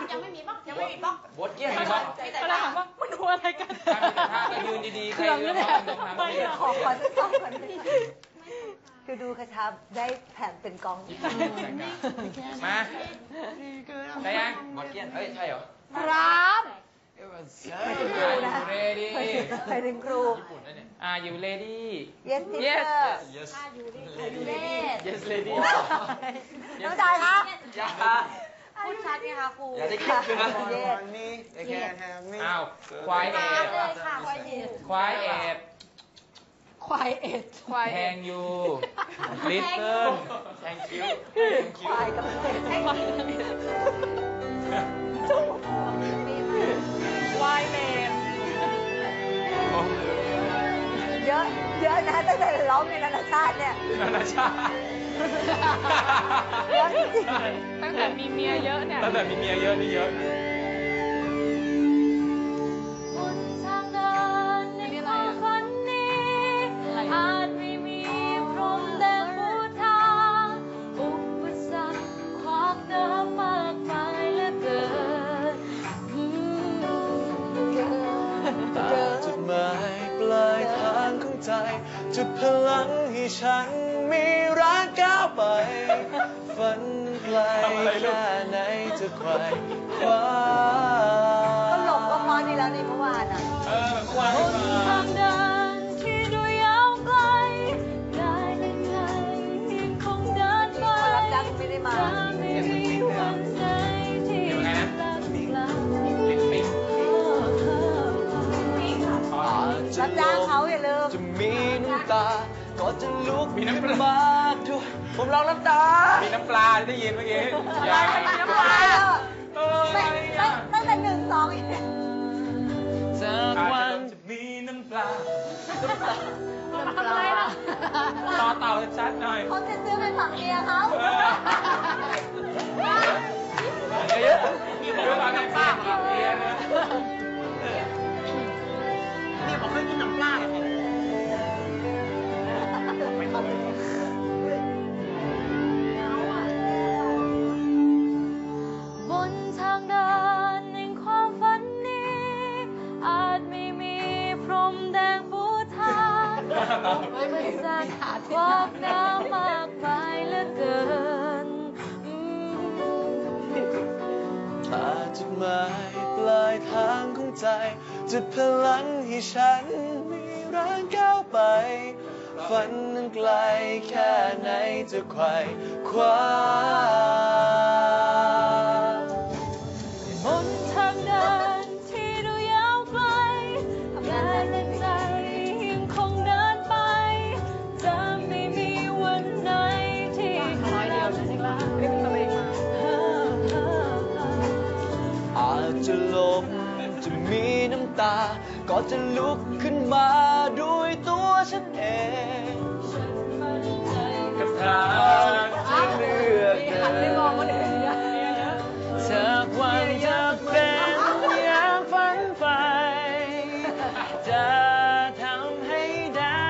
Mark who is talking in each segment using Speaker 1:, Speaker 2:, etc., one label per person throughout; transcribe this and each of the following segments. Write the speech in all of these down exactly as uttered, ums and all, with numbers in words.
Speaker 1: ยังไม่มีบ้างยังไม่มีบ้าง
Speaker 2: บดเกี้ยนมีบ้าง
Speaker 3: ก็เลยถามว่ามันดูอะไรกัน
Speaker 2: ถ้ามีแต่ท่าก็ยืนดีๆใครยืนก็ต้องทำให้
Speaker 4: ขอขอสักสองคนคือดูกระชับได้แผ่นเป็นกอง
Speaker 2: มาได้ยังบดเกี้ยนเอ้ยใช่เหรอ
Speaker 4: ครับ
Speaker 2: ไปถึงครูนะเรดี้
Speaker 4: ไปถึงครู
Speaker 2: ญี่ปุ่นนั่นเนี่ยอ่าอยู่เรดี้
Speaker 4: yes teacher
Speaker 2: yes
Speaker 1: yes
Speaker 2: lady
Speaker 4: น้องใจครับ
Speaker 2: อย่า
Speaker 1: พูดชัดไหมคะครู
Speaker 2: อย่าได้คิดเลยนะอ้าวควายเอ็ดควายเอ็ด
Speaker 4: ควายเอ็ด
Speaker 3: ควาย
Speaker 2: แทงยูลิสเติ้ลแทงคิ้ว
Speaker 4: ควายกับเอ็ด
Speaker 3: วายเลน
Speaker 4: เยอะเยอะนะตั้งแต่ร้องในนานาชาติเนี่ย
Speaker 2: นานาชาติ
Speaker 4: เยอะจริง
Speaker 3: ตั้งแต่มีเมียเยอะเนี่ย
Speaker 2: ตั้งแต่มีเมียเยอะนี่เยอะ
Speaker 1: บนทางเดินในความฝันนี้อาจไม่มีพรมแดงปูทางอุปสรรคขวากหน้ามากมายเหลือเกิน
Speaker 5: จุดหมายปลายทางของใจจุดพลังให้ฉันมีรักก้าวไปฝันไกลแค่ไหนจะไขว่คว้า
Speaker 4: ก็หลบก็พอดีแล้วในเมื่อวานอ่ะ
Speaker 2: เออเมื่อวาน
Speaker 1: บนทางเดินที่ดูยาวไกลได้ยังไงยังคงเดินไป
Speaker 4: รับจ้างไม่ได้มา
Speaker 1: ไม่มีวันไหนที่รักเรา
Speaker 2: ลิปปิ้ง
Speaker 4: รับจ้างเขาอย่าลืม
Speaker 5: จะมีน้ำตาก็จะลุกมีน้ำปลาด้วยผมร้องน้ำตา
Speaker 2: มีน้ำปลาได้ยินเมื่อกี้
Speaker 4: อะไรมันมีน้ำปลาไม่ไม่ตั้งแต่หนึ่งสองอีก
Speaker 5: จากวัน
Speaker 2: จะมีน้ำปลา
Speaker 4: ทำอะไรล่ะ
Speaker 2: ต่อเต่าชัดหน่อย
Speaker 4: เขาจะซื้อไปฝังเมียเขา
Speaker 2: เยอะๆมีผมว่าน้ำปลาฝังเมียนะนี่ผมไม่กินน้ำปลาหรอก
Speaker 1: บนทางเดินแห่งความฝันนี้อาจไม่มีพรมแดงปูทางอุปสรรคขวากหน้ามากมายเหลือเกิน
Speaker 5: ถ้าจุดหมายปลายทางของใจจุดพลังให้ฉันมีร่างก้าวไปฝันนั้นไกลแค่ไหนจะไขว่คว้า
Speaker 1: บนทางเดินที่ดูยาวไกลแต่ในใจยังคงเดินไปจะไม่มีวันไหนที่รักเรา
Speaker 5: อาจจะลมจะมีน้ำตาก็จะลุกขึ้นมาด้วยตัวฉันเองกับทางที่เลือกเดินจากวันจะเป็นอย่างฝันใฝ่จะทำให้ได้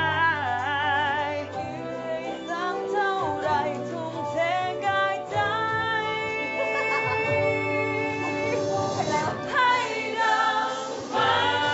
Speaker 5: สักเท่าไรทุ่มเทกายใจให้เรามา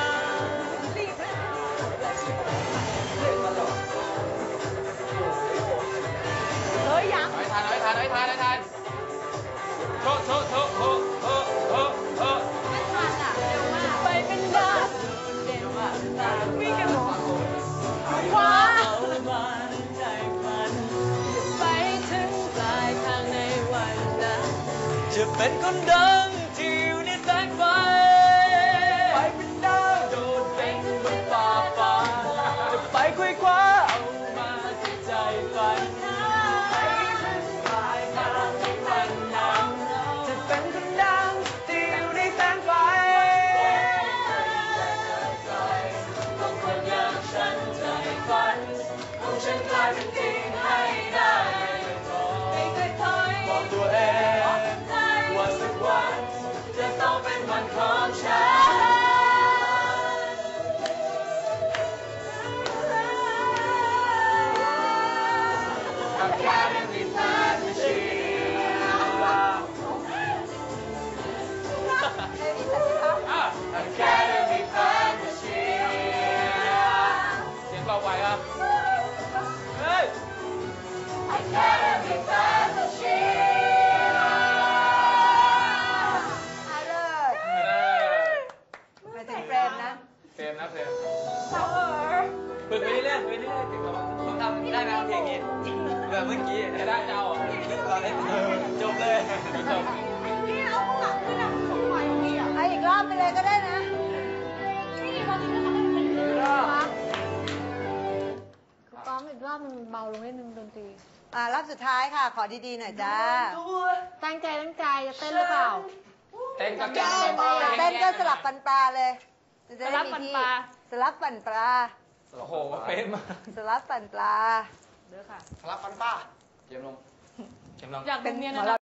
Speaker 4: เฮ้ยยัง
Speaker 2: ไม่ทันไม่ทันไม่ทันไม่ทันโถโถโถโถโถโถโถ
Speaker 1: ไม่ทันอ่ะเร็วมาก
Speaker 4: ไปเป็นดาวเด่นมากวิ่งกันหมดขวา
Speaker 5: ใจฝัน
Speaker 4: ไปถึงปลายทางในวันนั้น
Speaker 5: จะเป็นคนดังที่อยู่ในแสงไฟไปเป็นดาวโดดเด่นบนฟ้าฟ้าจะไปคุยคว้าเอามาที่ใจฝันไปถึงปลายทางในวันนั้นจะเป็นคนดังที่อยู่ในแสงไฟของคนอย่างฉันใจฝันของฉันกลายเป็นจริงให้ได้ไม่เคยถอยบอกตัวเองว่าสักวันจะต้องเป็นวันของผมทำได้ไหมเพลงนี้แบบเมื่อกี้
Speaker 2: จะได้เจ้าอ่ะ
Speaker 5: เราเล่นจบเลย
Speaker 2: จบ
Speaker 4: นี่เอาข้างหลังขึ้นอ่ะสมัยนี้อ่ะ
Speaker 1: เอาอีกรอบไปเลยก็ได้นะ
Speaker 4: นี่พอถึงแล้วเขาก็เป็นอย่างนี้
Speaker 1: ซ้อมอีกรอบมันเบาลงนิดนึงดนตรี
Speaker 6: อ่ารอบสุดท้ายค่ะ ขอดีๆหน่อยจ้า
Speaker 1: ตั้งใจตั้งใจจะเต้นหรือเปล่า
Speaker 2: เต้นก็เต้น
Speaker 6: เต้นก็สลับปันปลาเลยจะ
Speaker 3: ส
Speaker 6: ได้
Speaker 3: ลับ
Speaker 6: มี
Speaker 3: ปัน
Speaker 6: ที่
Speaker 3: ปลา
Speaker 6: สลับปันปลา
Speaker 2: โอ้โหเป็นมาก
Speaker 6: สลับปันปลา
Speaker 3: เด้อค่ะ
Speaker 2: รับปันป้าเจมลงเจมลง
Speaker 3: อยาก
Speaker 6: เป็
Speaker 3: ดู
Speaker 6: น
Speaker 3: เมีย
Speaker 6: หมอ
Speaker 3: นะ
Speaker 6: ลำ